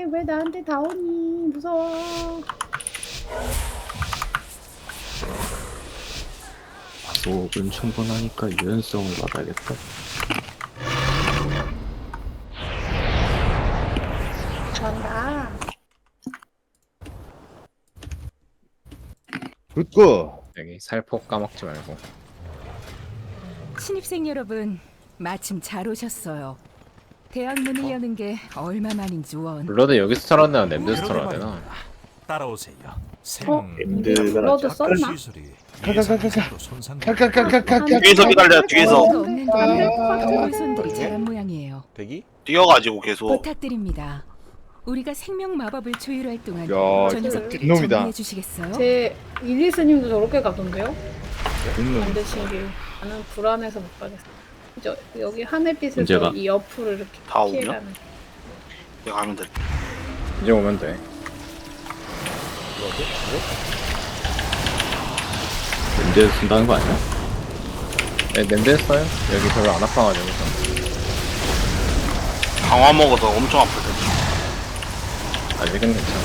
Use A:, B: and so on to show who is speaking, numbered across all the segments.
A: 안돼. 왜 나한테 다 오니? 무서워.
B: 속은 충분하니까 유연성을 받아야겠다.
A: 잘한다.
C: 굿고.
D: 여기 살폭 까먹지 말고.
E: 신입생 여러분, 마침 잘 오셨어요. 대학 문을 여는 게 얼마만인지 원.
D: 블러드 여기서 털어내나 냄새에서 털어야 되나?
F: 따라오세요.
C: 엠드가
A: 블러드 썼나?
F: 시술이
C: 칼칼칼칼칼칼.
G: 뒤에서 기다려요, 뒤에서.
E: 없는 동안
A: 아.
E: 돌손들이 자란 모양이에요.
C: 대기?
G: 뛰어가지고 계속.
E: 부탁드립니다. 우리가 생명 마법을 조율할 동안
C: 야,
E: 저 녀석들
C: 놈이다.
E: 정리해 주시겠어요?
A: 제 일리스님도 저렇게 가던데요?
C: 놈.
A: 안 되시길. 나는 불안해서 못 가겠어. 저 여기 하늘빛에서
B: 문제가?
A: 이 옆으로 이렇게
G: 다 오냐?
A: 피해가는.
G: 이제 가면 돼.
D: 이제 오면 돼.
B: 언제 쓴다는 거 아니야?
D: 네, 냄새 했어요? 여기 별로 안 아파가지고.
G: 강화 먹어서 엄청 아플 텐데.
D: 아직은 괜찮아.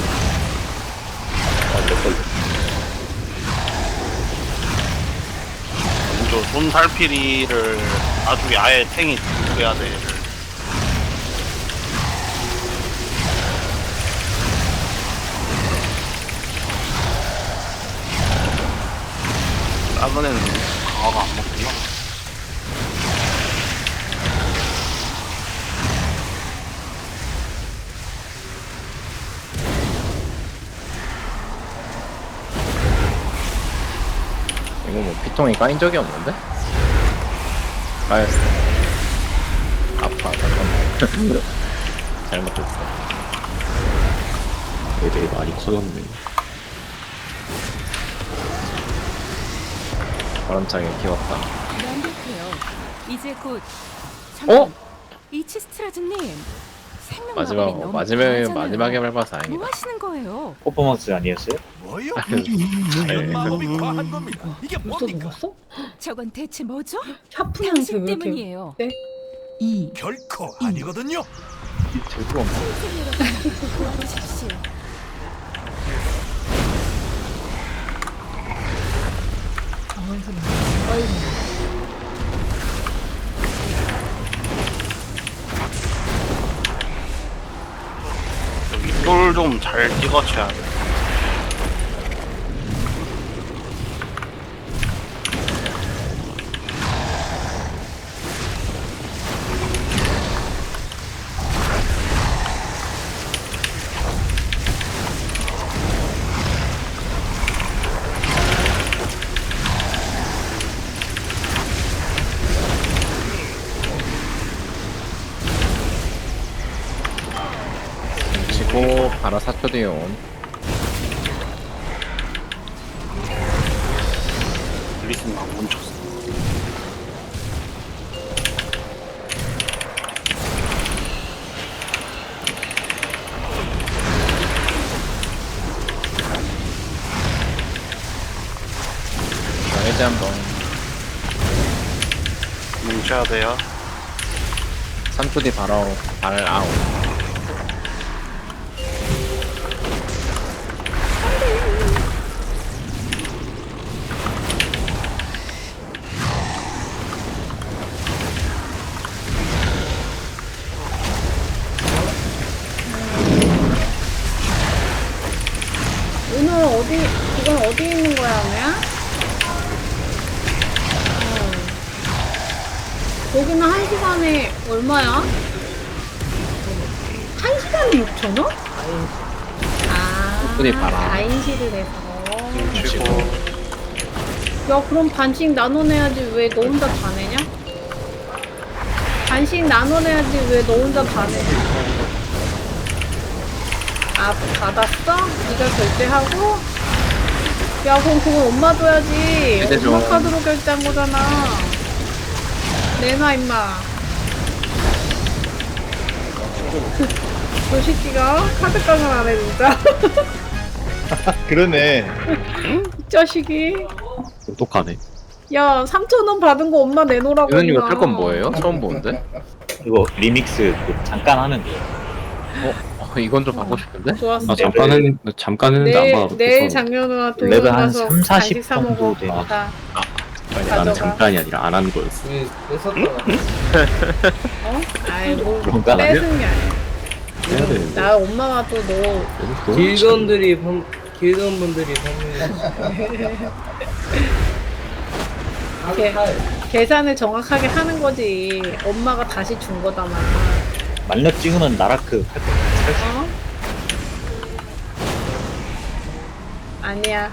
G: 저 손살피리를 나중에 아예 탱이 해야 돼. 얘를. 작은 애는 강화가 안 먹구나.
D: 이거 뭐 피통이 까인 적이 없는데? 까였어. 아파, 잠깐만. 잘못했어.
B: 애들이 많이 커졌네.
D: 바람차게 키웠다.
E: 완벽해요. 이제 곧.
D: 어?
E: 이치스트라즈님. 생명
D: 마지막,
E: 마법이 너무
D: 마지막에
E: 과하잖아요.
D: 밟아서
E: 뭐
D: 다행이다.
E: 하시는 거예요?
C: 퍼포먼스 아니었어요?
F: 뭐요?
D: 네.
F: 자연 마법이 과한 겁니다. 이게
A: 벌써
F: 뭡니까?
A: 먹었어?
E: 저건 대체 뭐죠?
A: 샤프한테
E: 당신
A: 왜 이렇게?
E: 때문이에요.
A: 네?
F: 결코 아니거든요.
D: 들고 없네.
E: 신입생 여러분, 도와주십시오.
G: 윗돌 좀 잘 찍어쳐야 돼.
D: 치고 바로 4초 뒤에 온.
G: 리스는 안 멈췄어.
D: 자, 해제 한 번.
G: 뭉쳐야 돼요.
D: 3초 뒤 바로 발 아웃.
A: 오늘 어디 이건 어디 있는 거야, 오늘? 거기는 1시간에 얼마야? 1시간에 6,000원? 아,
D: 어디 봐라.
A: 4인실을 해서.
G: 치고.
A: 야, 그럼 반씩 나눠내야지. 왜 너 혼자 다 내냐? 반씩 나눠내야지. 왜 너 혼자 다 내냐? 아, 받았어? 네가 결제하고? 야, 그럼 그건 엄마 줘야지.
D: 결제
A: 엄마
D: 좀.
A: 카드로 결제한 거잖아. 내놔, 임마. 저 새끼가 카드깡을 안 해, 진짜.
C: 그러네.
A: 이 자식이.
B: 똑똑하네.
A: 야, 3,000원 받은 거 엄마 내놓으라고.
D: 이건 이거
A: 임마.
D: 탈 건 뭐예요? 처음 보는데?
C: 이거 리믹스 그 잠깐 하면 돼요.
D: 이건 좀 받고 싶은데?
A: 좋았어.
B: 나 잠깐 했는데 안 받아도
A: 내일
B: 돼서.
A: 장현우와 돈
C: 레벨 한
A: 가서
C: 3, 40
A: 간식 사
C: 정도
A: 먹어.
C: 되네.
A: 다.
B: 나는
A: 가져가.
B: 잠깐이 아니라 안 한 거였어.
A: 어? 아이고
C: 그런가?
A: 뺏은 게 아니야.
B: 해야 되는데.
A: 나 엄마가 또 너
H: 길건들이 길건 분들이 판매.
A: 계산을 정확하게 하는 거지. 엄마가 다시 준 거다만.
C: 만렙 찍으면 나라크 살수
A: 어? 아니야.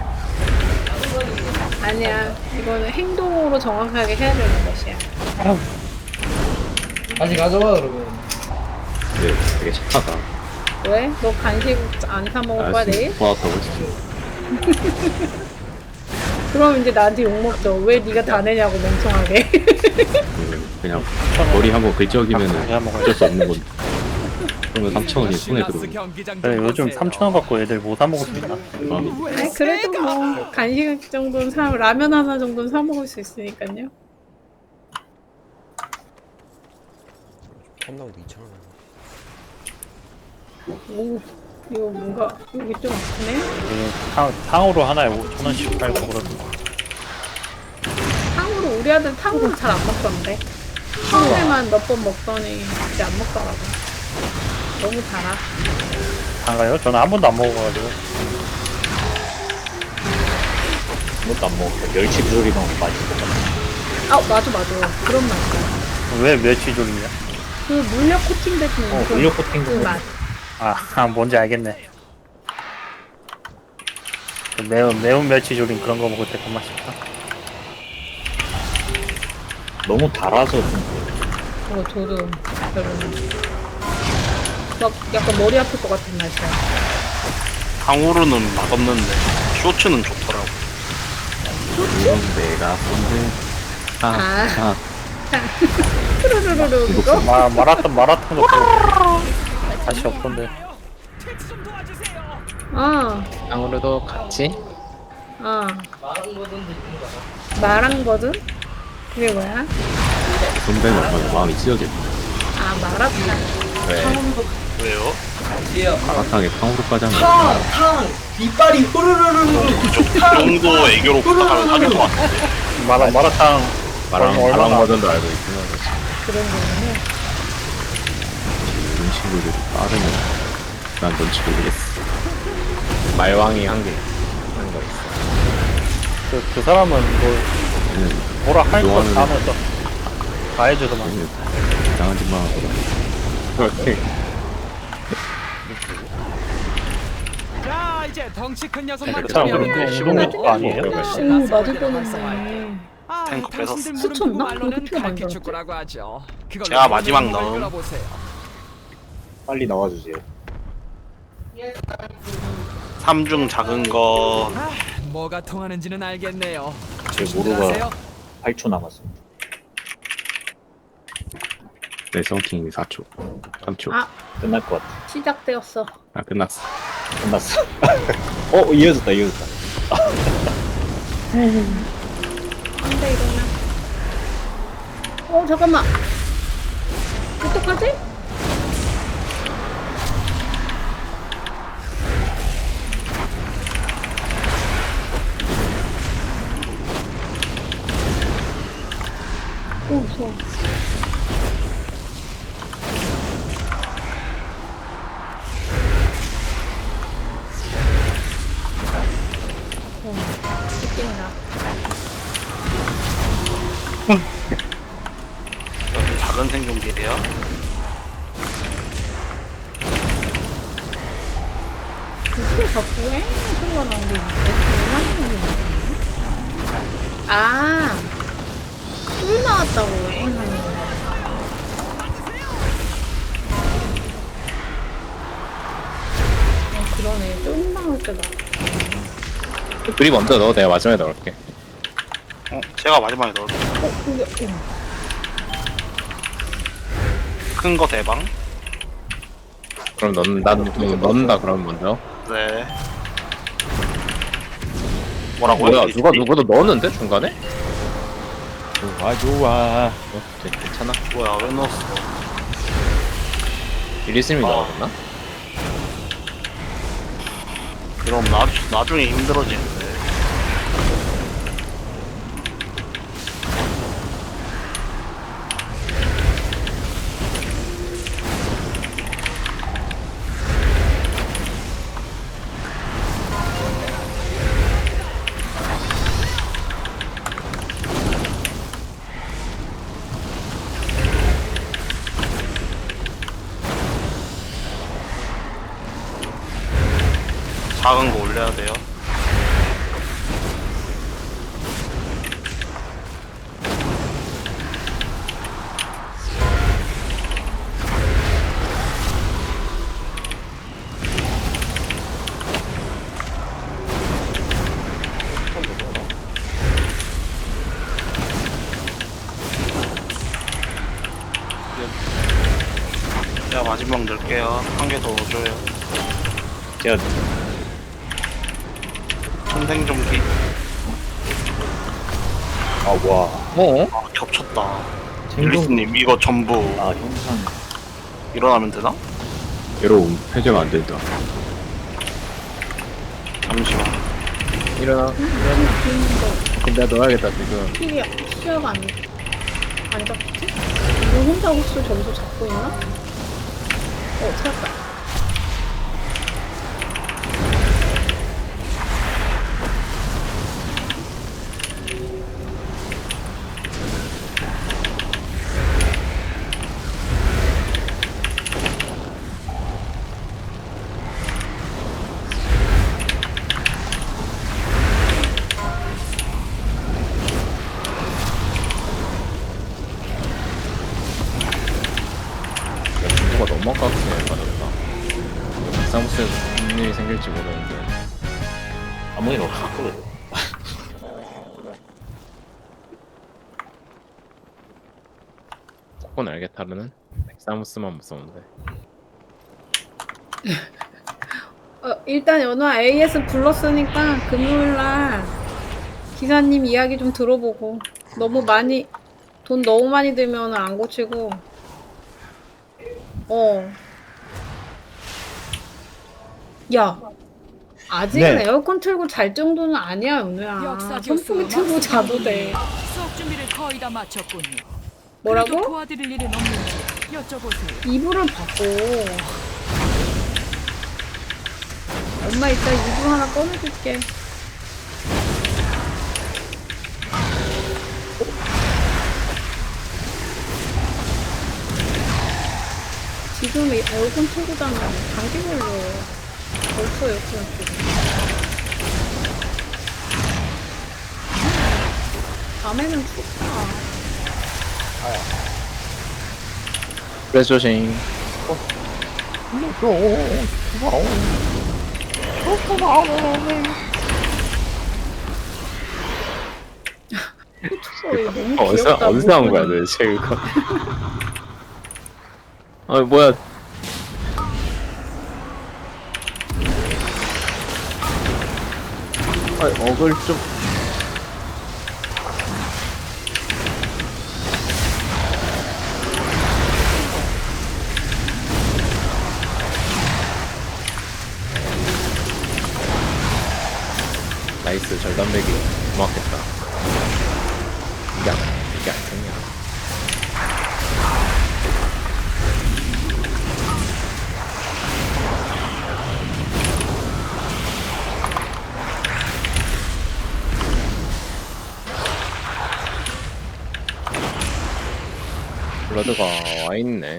A: 아니야. 이거는 행동으로 정확하게 해야 되는 것이야.
H: 다시 가져와 그러면.
B: 네, 되게 착하다.
A: 왜? 너 간식 안 사 먹을 거야 내일?
B: 받았다고 했어.
A: 그럼 이제 나한테 욕 먹죠. 왜 네가 다 내냐고 멍청하게.
B: 그냥 머리 한번 긁적이면은 어쩔 수 없는 건데. 그러면 3,000원이 손에 들어오는 거야.
I: 그래, 요즘 3,000원 받고 애들 뭐 사 먹을 수 있나?
A: 아니 그래도 뭐 간식 정도는 사 라면 하나 정도는 사 먹을 수 있으니까요. 오 이거 뭔가 여기 좀 아프네.
I: 탕으로 하나에 5,000원씩 팔고 그러던데.
A: 탕후루 우리 아들 탕후루 잘 안 먹던데. 처음에만 몇 번 먹더니 이제 안 먹더라고. 너무 달아.
I: 단가요? 저는 한 번도 안 먹어가지고.
C: 것도 안 먹고 멸치 조리만 맛있을 것 같아.
A: 아 맞아 그런 맛이야.
I: 왜 멸치조림이야?
A: 그 물엿 코팅된 그
C: 물엿 코팅
A: 그 맛.
I: 뭔지 알겠네. 그 매운 멸치조림 그런 거 먹을 때 그 맛있다.
C: 너무 달아서 좀
A: 저도 별로네. 막 약간 머리 아플 것 같은 맛이야.
G: 강우루는 맛없는데 쇼츠는 좋더라고.
B: 이건 내가 손대.
A: 아. 푸르르르르 그거?
I: 마라탕도 다시 없던데.
D: 아무래도 같이?
A: 마랑 버전? 그게 뭐야?
B: 손대면 얼마나 마음이 찢어질 거야.
A: 아 마라탕.
G: 왜요?
B: 마라탕에 탕후루까지 하면
H: 이빨이 후루루루.
G: 그 정도 애교로 부탁하면 사줄 것 같은데.
I: 마라탕
D: 마랑 버전도 알고 있구나.
A: 그런 거는
B: 이런 친구들이 빠르면 난 뭔지 모르겠어.
D: 말왕이 한 거 있어.
I: 그 사람은 뭐
B: 얘는
I: 뭐라 할 거
B: 좋아하는
I: 다 하면서 다 해줘서만.
B: 이상한 짓만 하고.
D: 그렇게.
J: 자 이제 덩치 큰 녀석만
I: 그 사람 근데 운동도 아니에요?
A: 오 맞을 뻔했네.
G: 탱크 뺏었어.
A: 스쳤나? 그렇게 피가 많이
J: 그렇게
A: 들었지?
J: 축구라고 하죠. 그걸로
G: 제가 마지막
J: 몸을
G: 넣음.
J: 끌어보세요.
C: 빨리 나와주세요.
G: 3중 작은 거
J: 뭐가 통하는지는 알겠네요.
C: 제
J: 조심들
C: 모루가
J: 하세요.
C: 8초 남았습니다.
B: 내 썬킹이 4초. 3초.
A: 아
C: 끝날 것 같아.
A: 시작되었어.
B: 끝났어.
C: 끝났어. 이어졌다.
A: 안돼 이러면. 잠깐만. 어떡하지? 무서워. 찍힌다.
G: 여기 작은 생존기예요.
A: 그게 자꾸 소리가 나는 게 있는데? 술 나왔다고 하는 거. 그러네. 쫄 나올 때다.
D: 둘이 먼저 넣어. 내가 마지막에 넣을게.
G: 제가 마지막에 넣을게요.
A: 근데,
G: 큰 거 대방.
D: 그럼 넣는다 그러면 먼저.
G: 네. 뭐라고요?
D: 뭐야 누가 누구도 넣었는데 중간에?
C: 좋아.
D: 괜찮아.
G: 뭐야 왜 넣었어?
D: 일리스님이
G: 아.
D: 넣었나?
G: 이러면 나중에 힘들어지는데. 작은 거 올려야 돼요. 제가 마지막 넣을게요. 한 개 더 넣어줘요.
C: 제가
G: 선생좀비.
C: 아 와.
D: 어?
G: 아, 겹쳤다.
C: 생존.
G: 율리스님 이거 전부
C: 아 형상.
G: 일어나면 되나?
B: 괴로움 해제가 안 된다.
G: 잠시만.
D: 일어나. 그럼 내가 넣어야겠다 지금.
A: 필이 시야가 안 잡히지? 이거 혼자 호수 점수 잡고 있나? 찾았다.
D: 정보가 너무 아깝게 맞았다. 사무실에서 무슨 일이 생길지 모르는데.
C: 아무 일 없었거든.
D: 조건 알게 타르는 사무스만 무서운데.
A: 일단 연화 AS 불렀으니까 금요일날 기사님 이야기 좀 들어보고 돈 너무 많이 들면 안 고치고 야 아직은
C: 네.
A: 에어컨 틀고 잘 정도는 아니야 연우야.
E: 역사
A: 선풍기
E: 교수
A: 틀고 자도 돼.
E: 수업 준비를 거의 다 마쳤군요. 그래도
A: 뭐라고?
E: 도와드릴 일은 없는지 여쭤보세요.
A: 이불을 바꿔. 엄마 이따 이불 하나 꺼내줄게. 지금 에어컨 틀고 자면 감기 걸려. 벌써 에어컨 틀고. 밤에는 춥다.
D: 그래서 조심.
A: 너무
D: 어디서
A: 귀엽다.
D: 어디서 나온 거야 도대체 이거? 아 뭐야? 아 어글 좀. 나이스 절단배기 고맙겠다. 이게 안 되냐? 블러드가 와 있네.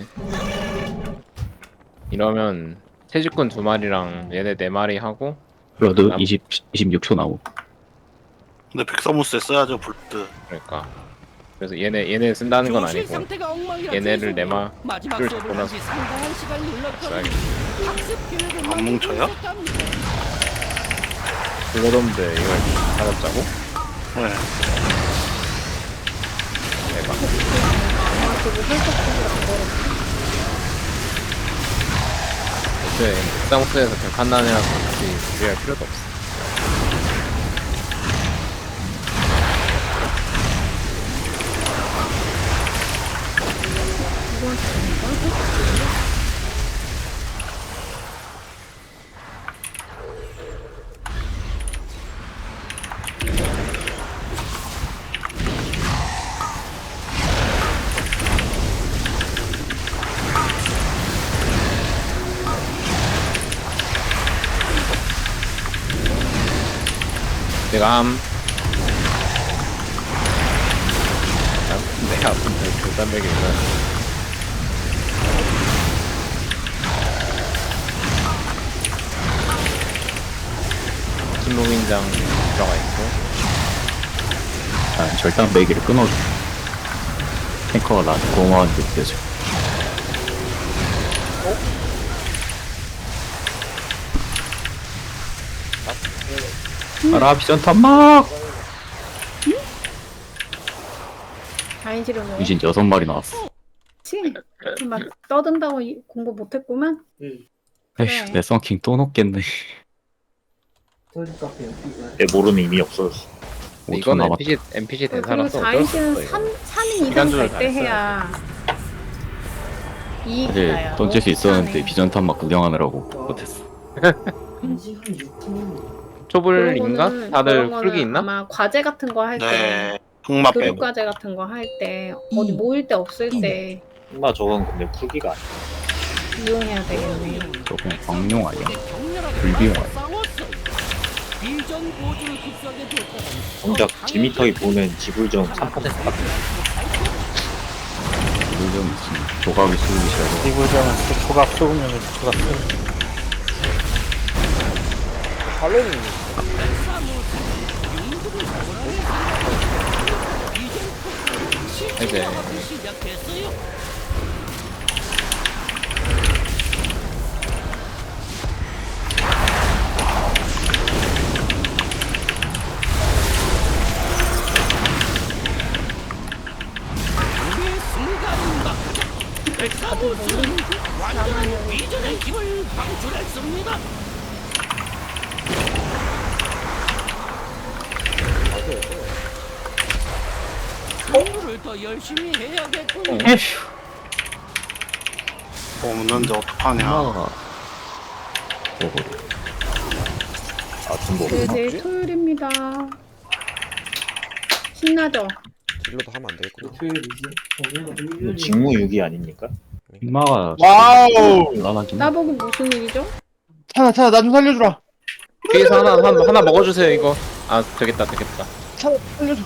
D: 이러면 채집꾼 2마리랑 얘네 4마리 하고.
B: 블러드 26초 나오.
G: 근데 백사무스에 써야죠 불드.
D: 그러니까 그래서 얘네 쓴다는 건 아니고
E: 상태가 엉망이라
D: 얘네를
E: 죄송해요.
D: 내마
E: 마지막
D: 를
E: 수업을
D: 잡고 나서
E: 한지 상당한 시간이 흘렀거든요.
D: 써야겠다.
E: 학습 계획을
G: 안 뭉쳐요?
D: 블러드인데 이걸 찾았자고?
G: 네.
D: 대박. 애초에 쌍수에서 벽한단이라서 굳이 준비할 필요도 없어. 내가 내가 아픈데 교단백이구나. 신로민장 들어가 있고.
B: 아, 절단 매기를 끊어줘. 탱커가 나한테 고마워한테 느껴져. 알아, 비전탄 막!
A: 다인지를 뭐
B: 유진 6마리 나왔어.
A: 그치? 막 떠든다고 공부 못했구만?
B: 에휴, 내 썬킹 또 녹겠네.
H: 소주 카페
C: 내 모르는 의미 없어졌어.
B: 5초
D: 이건
B: 남았다.
D: NPC 된
A: 그리고
D: 살았어.
A: 다인지는 3인 이상
D: 시간조절
A: 갈 때
D: 다
A: 해야 이익이
B: 사실
A: 나요.
B: 던질 수 있었는데
A: 너무
B: 비전탄 막 구경하느라고 못했어.
H: 인식 한 6분.
D: 초불인가?
A: 그런
D: 다들
A: 거는
D: 풀기 있나?
A: 아마 과제 같은 거 할 때,
G: 네. 흑마
A: 교육
G: 빼고.
A: 과제 같은 거 할 때, 어디 모일 때 없을 때
C: 나 저건 근데 풀기가 아니야.
A: 이용해야 되겠네.
B: 저 그냥 광용 아니야? 불비용 아니야?
C: 정작 지미터이 보는 지불점 3%밖에
B: 물좀 무슨 조각이 수급이 싫어서.
I: 이불장은 초각 쏘으면 초각 쏘.
D: 이제
A: 다들 모르는 나만이
G: 없는데 어떡하냐.
B: 엄마가 뭐고?
C: 아좀 뭐.
A: 네, 내일 토요일입니다. 신나죠?
K: 딜러도 하면 안 되겠구나.
C: 이거 직무유기 아닙니까?
B: 엄마가
K: 와우!
B: 곤란하긴 해.
A: 나보고 무슨 일이죠?
K: 찬아, 찬아, 나 좀 살려주라.
D: 뒤에서 하나 먹어주세요 이거. 아 되겠다.
K: 찬아, 살려줘.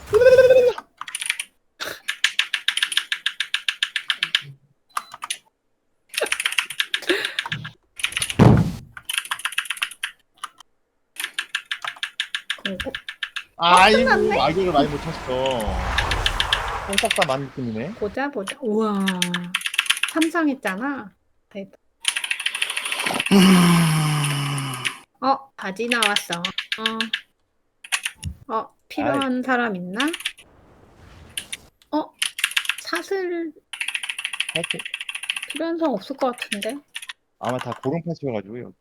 A: 공고?
K: 아이고,
A: 끝났네?
K: 아기를 많이 못 쳤어. 똥싹다 많은 느낌이네.
A: 보자. 우와. 삼상했잖아. 대박. 바지 나왔어. 필요한 사람 있나? 사슬
K: 하여튼
A: 필요한 사람 없을 것 같은데.
K: 아마 다 고른 패스여가지고 여기.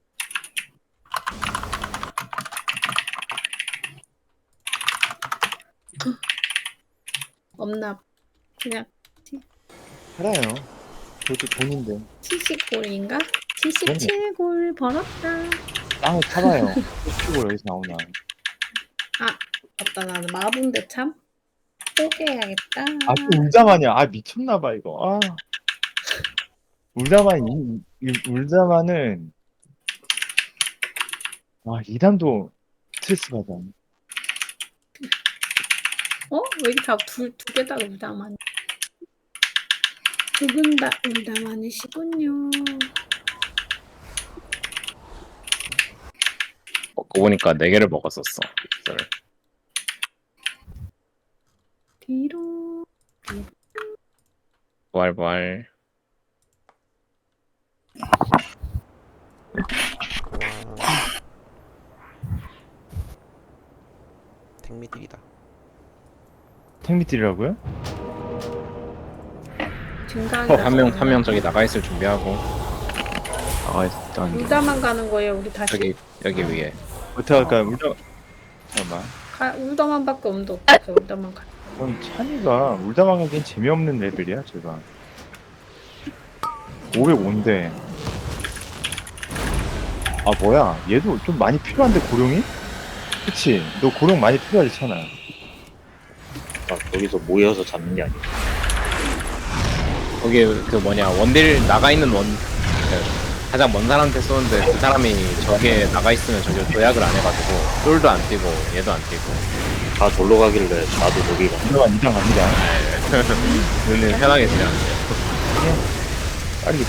A: 없나? 그냥
K: 알아요. 그것도 돈인데
A: 70골인가? 77골 벌었다.
K: 땅을 타봐요. 이걸 여기서 나오냐.
A: 맞다. 나는 마분데 참. 포기해야겠다.
K: 아, 또 울자마냐. 아, 미쳤나봐 이거. 아, 울자마는 이 단도 스트레스 받아.
A: 왜 이렇게 다 두 개 다 울다만. 두 분 다 울다만이시군요.
D: 먹고 보니까 4개를 먹었었어. 이거를.
A: 뒤로.
D: 부활.
K: 탱미딜이다. 탱미딜이라고요?
D: 한 명 저기 나가 있을 준비하고
B: 일단
A: 울다만 가는 거예요. 우리 다시.
D: 여기 위에.
K: 어떻게 할까요? 잠깐만.
A: 울다만밖에 없는데 어떡해. 울다만 가.
K: 그럼 찬이가 울다만 가기엔 재미없는 레벨이야 제가. 505인데 뭐야 얘도 좀 많이 필요한데 고룡이? 그치? 너 고룡 많이 필요하지 찬아.
C: 거기서 모여서 잡는 게 아니야.
D: 거기 원딜 나가 있는 가장 먼 사람한테 쏘는데 그 사람이 저기에 나가 있으면 저기 도약을 안 해가지고 쫄도 안 뛰고 얘도 안 뛰고
C: 다 절로 가길래 나도 저기 가.
K: 이상 갑니다.
D: 눈은 편하게 그냥
K: 빨리 뛰.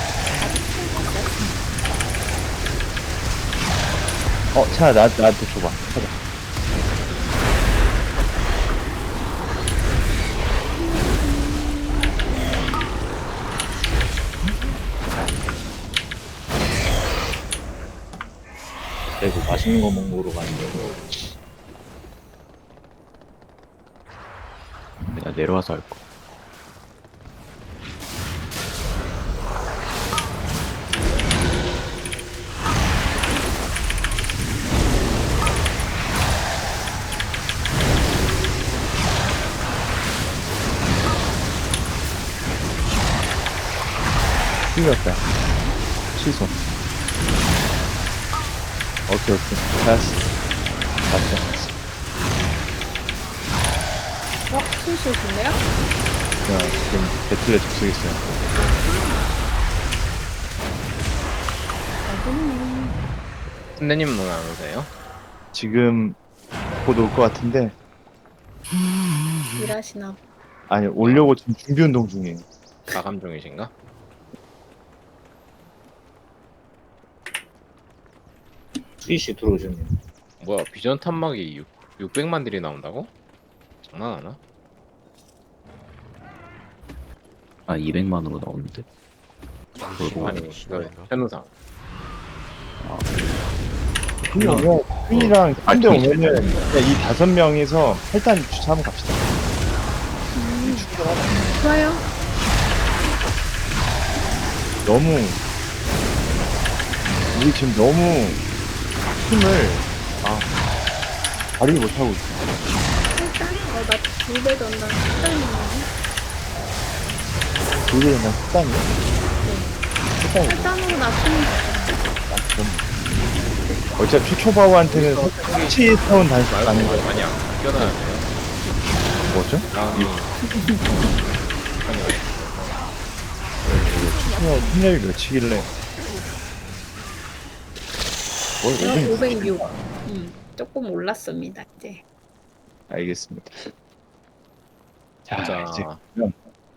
K: 차 나한테 줘봐. 찾아.
C: 그리고 맛있는 거 먹으러 가는데
B: 내가 내려와서 할 거.
K: 틀렸다. 취소. 오케이. 다시. 맞다.
A: 수수신데요?
K: 자, 지금 배틀에 접속했어요.
D: 선배님은 오늘 안 오세요?
K: 지금 곧 올 것 같은데,
A: 일하시나 봐.
K: 아니, 오려고 지금 준비 운동 중이에요.
D: 마감 중이신가?
C: 스위시 들어오셨네요.
D: 뭐야 비전 탐막이 600만 딜이 나온다고? 장난하나?
B: 아 200만으로 나오는데. 그리고
D: 아니 그 현우상
K: 그냥 퀸이랑 한대 오면은 그냥 이 5명에서 일단 주차 한번 갑시다.
A: 좋아요.
K: 너무 우리 지금 너무 힘을 발휘 못하고 있어.
A: 일단 나 2배 전당 식단이네.
K: 그게 그냥 식단이야? 식단이야.
A: 식단으로 낮추면
K: 어차피 초초바우한테는 터치 타운 다시 가는 거야.
D: 많이 안 껴놔야 돼요.
K: 뭐죠? 힘력이 몇이길래? 뭘
A: 506. 조금 올랐습니다 이제.
K: 알겠습니다. 자,
D: 자
K: 이제 그럼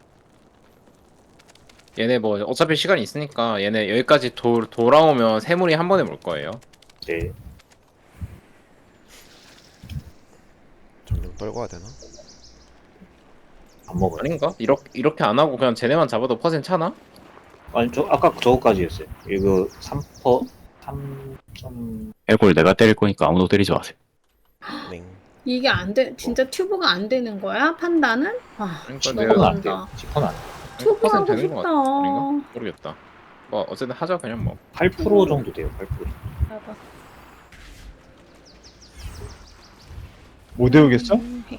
D: 얘네 뭐 어차피 시간이 있으니까 얘네 여기까지 돌아오면 세물이 한 번에 몰 거예요.
C: 네.
L: 점점 떨궈야 되나?
C: 안 먹어요.
D: 아닌가? 이렇게 안 하고 그냥 쟤네만 잡아도 퍼센트 차나?
C: 아니 저 아까 저거까지 했어요. 이거 3퍼 3점
B: 해골 내가 때릴 거니까 아무도 때리지 마세요.
L: 맹.
A: 이게 안 돼. 진짜 튜브가 안 되는 거야? 판단은? 아,
D: 그러니까
A: 너무
C: 안
A: 안다.
C: 돼요. 10%는 안 돼요.
A: 튜브 하고
D: 퍼센트 되는 거
A: 싶다.
D: 아닌가? 모르겠다. 뭐 어쨌든 하자 그냥 뭐.
C: 8% 정도 돼요. 8%.
A: 봐봐.
K: 못 외우겠어?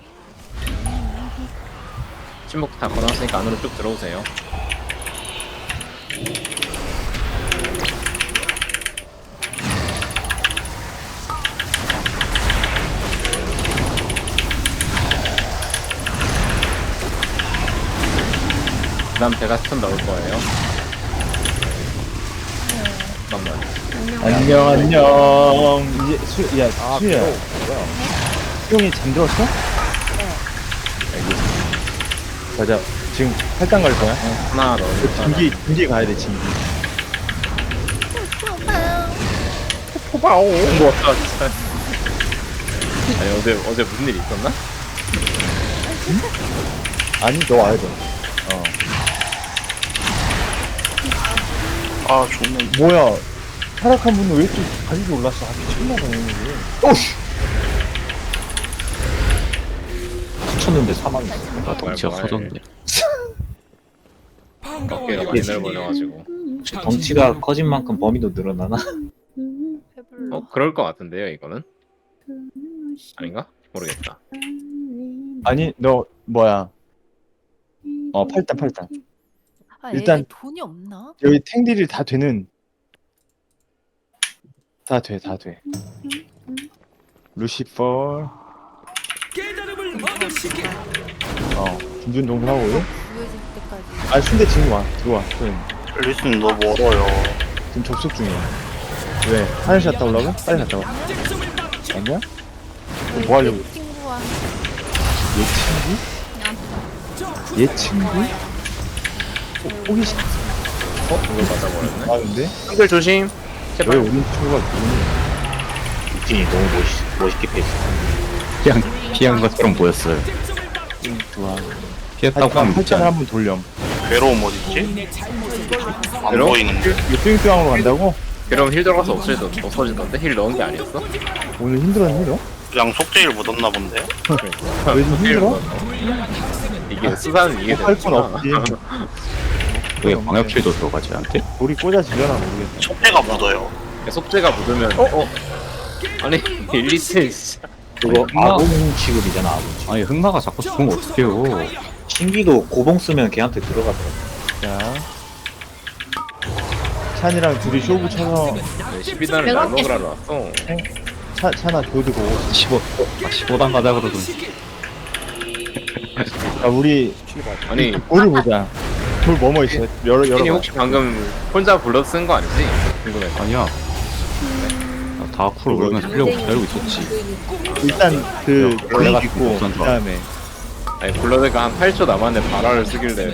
D: 침묵 다 걸어놨으니까 안으로 쭉 들어오세요. 그 다음 제가 스톤 넣을 거예요. 잠깐만.
K: 안녕. 이제 수야, 수야. 수영이 잠들었어? 알겠어. 가자. 지금 할당 갈 거야?
D: 하나 넣을
K: 진기 가야 돼, 진기.
D: 포바오. 뭐 없다 진짜. 아니 어제 무슨 일 있었나?
K: 아니, 너 와야 돼.
G: 아 좋네.
K: 뭐야. 타락한 분은 왜 이렇게 가격이 올랐어? 아, 미쳤나봐,
C: 쳤는데 4만.
B: 나 덩치가
D: 말.
B: 커졌네.
D: 어깨가 많이 넓어져가지고.
C: 덩치가 커진 만큼 범위도 늘어나나?
D: 그럴 것 같은데요 이거는? 아닌가? 모르겠다.
K: 아니, 너, 뭐야. 팔단. 일단,
E: 돈이 없나?
K: 여기 탱딜이 다 되는. 다 돼. 루시퍼.
J: 깨달음을 얻으시게.
K: 준준 동하고
E: 보여질 때까지.
K: 순대 지금 와. 들어와.
G: 앨리스는 너무 멀어요.
K: 지금 접속 중이야. 왜? 화장실 갔다 오려고? 빨리 갔다 와. 아니야? 그럼 뭐 하려고?
A: 친구와
K: 얘 친구? 얘 친구? 호기심.
D: 이걸 맞아버렸네.
K: 아 근데?
D: 형들 조심.
K: 왜
D: 제발.
K: 우리 친구가 누구니?
C: 루틴이 너무 멋있게 패스.
B: 피한 것처럼 보였어요.
K: 좋아.
B: 피했다고 하면 묻지
K: 팔짱을
B: 않아.
K: 한번 돌렴.
G: 괴로움 어딨지? 안
D: 괴로움?
G: 보이는데.
K: 이거 뿅뿅으로 간다고?
D: 그럼 힐 들어가서 없어지던데? 힐 넣은 게 아니었어?
K: 오늘 힘들었니 너?
G: 그냥 속죄일 묻었나 본데요?
K: 왜 좀 힘들어?
D: 이게 수사는 이게
K: 할 건 없지.
B: 왜 광역킬도 들어가지 않대?
K: 우리 꽂아지려나 모르겠다.
G: 속죄가 묻어요.
D: 속죄가 묻으면 아니 1, 2층 진짜
C: 그거
B: 흑마.
C: 아군 취급이잖아, 아군 취급.
B: 아니 흑마가 자꾸 죽으면 어떡해요.
C: 신기도 고봉 쓰면 걔한테 들어가더라고.
K: 자. 찬이랑 둘이 쇼부 쳐서
D: 12단을 날 먹으러 왔어.
K: 찬아 교드고.
B: 15단 가자 그러더니.
K: 자, 우리
D: 아니
K: 볼을 보자. 볼 뭐뭐 있어? 여러
D: 이
K: 번.
D: 혹시 방금 혼자 불러 쓴 거 아니지? 궁금해.
B: 아니야. 나 다크로 올면서 하려고 기다리고 있었지.
K: 일단 그
B: 내가
K: 블링 있고
B: 우선 좋아.
K: 그다음에
D: 아니 블러드가 한 8초 남았는데 바라를 쓰길래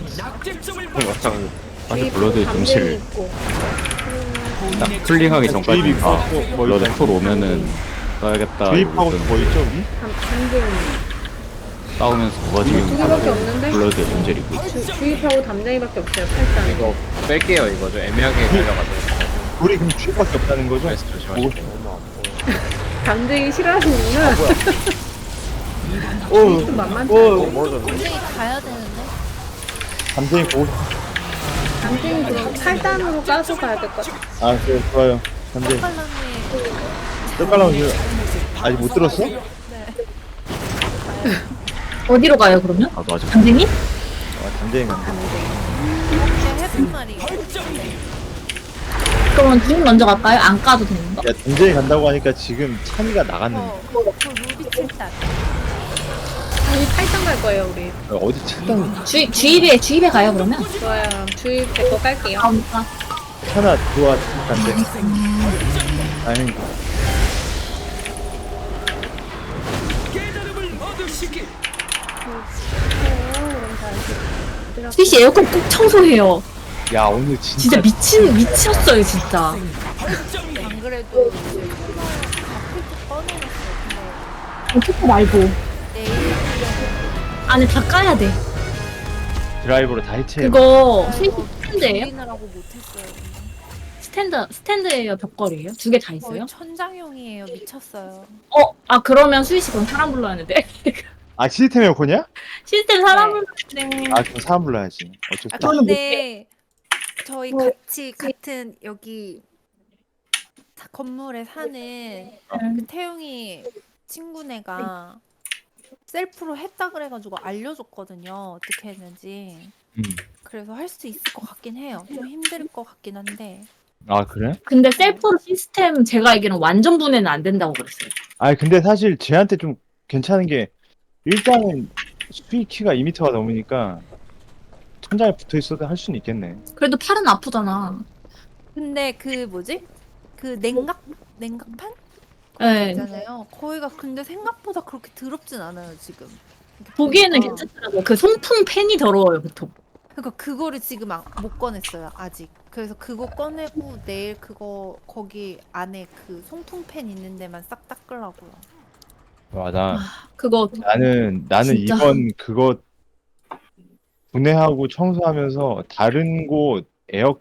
B: 사실 블러드의 동시를
A: 있고
B: 딱 풀링하기 전까지
K: 주입이
B: 다
K: 있고 뭐
B: 블러드
K: 일단
B: 톨 오면은 써야겠다.
K: 주입하고
B: 이러고
K: 뭐 있죠 우리?
A: 담쟁이
B: 싸우면서 누가 지금
A: 두 개밖에 없는데?
B: 블러드의 문제를 입고 있어.
A: 주입하고 담쟁이밖에 없어요. 팔짱.
D: 이거 뺄게요. 이거 좀 애매하게 달려가지고.
K: 우리 그럼 주입밖에 없다는 거죠?
D: 그래서 조심하시고.
A: 담쟁이 싫어하시는구나.
K: 오,
A: 좀 만만치
K: 오,
A: 않아.
M: 담쟁이 가야 되는데.
K: 감정이 보고.
A: 담쟁이 그럼 8단으로 까서 가야 될 것 같아.
K: 아, 그래 좋아요. 감정.
M: 빨랑이
K: 떡갈라고 아직 못 들었어?
M: 어디로 가요 그러면?
B: 나도 아직
M: 담쟁이?
K: 아, 감정이 간다.
M: 해본 말이. 그러면 둘 먼저 갈까요? 안 까도 되는 거?
K: 야, 감정이 간다고 하니까 지금 찬이가 나갔는데
M: 그 루비 칠단.
A: 우리 8단 갈 거예요, 우리.
K: 어디 찬
M: 주입에 가요 그러면?
A: 좋아요. 주입 제 거 깔게요.
M: 다음까.
K: 찬아 좋아 간대. 다행이다.
J: 깨달음을 얻으시길.
M: 스시 에어컨 꼭 청소해요.
K: 야 오늘 진짜
M: 미쳤어요 진짜.
A: 안 그래도
M: 키퍼 말고. 안에 다 까야 돼.
K: 드라이버로 다 해체해.
M: 그거 스탠드예요?
A: 확인하라고 못했어요.
M: 스탠드예요, 벽걸이에요? 두 개 다 있어요?
A: 천장용이에요. 미쳤어요.
M: 그러면 수희씨 그럼 사람 불러야 하는데.
K: 아 시스템 에어컨이야?
M: 시스템 사람 불러야
K: 아 그럼 사람 불러야지. 어쩔 수 없어.
M: 저는 못해.
A: 근데 저희 같이 같은 여기 건물에 사는 그 태용이 친구네가 셀프로 했다 그래가지고 알려줬거든요. 어떻게 했는지. 그래서 할 수 있을 것 같긴 해요. 좀 힘들 것 같긴 한데.
K: 아 그래?
M: 근데 셀프 시스템 제가 알기로는 완전 분해는 안 된다고 그랬어요.
K: 아 근데 사실 쟤한테 좀 괜찮은 게 일단은 수위 키가 2m가 넘으니까 천장에 붙어 있어도 할 수는 있겠네.
M: 그래도 팔은 아프잖아.
A: 근데 그 뭐지? 그 냉각판?
M: 네.
A: 있잖아요. 거기가 근데 생각보다 그렇게 더럽진 않아요 지금.
M: 보기에는
A: 보니까.
M: 괜찮더라고요. 그 송풍 팬이 더러워요, 보통.
A: 그러니까 그거를 지금 못 꺼냈어요 아직. 그래서 그거 꺼내고 내일 그거 거기 안에 그 송풍팬 있는 데만 싹 닦으려고요.
K: 와
M: 그거
K: 나는
M: 진짜.
K: 이번 그거 분해하고 청소하면서 다른 곳 에어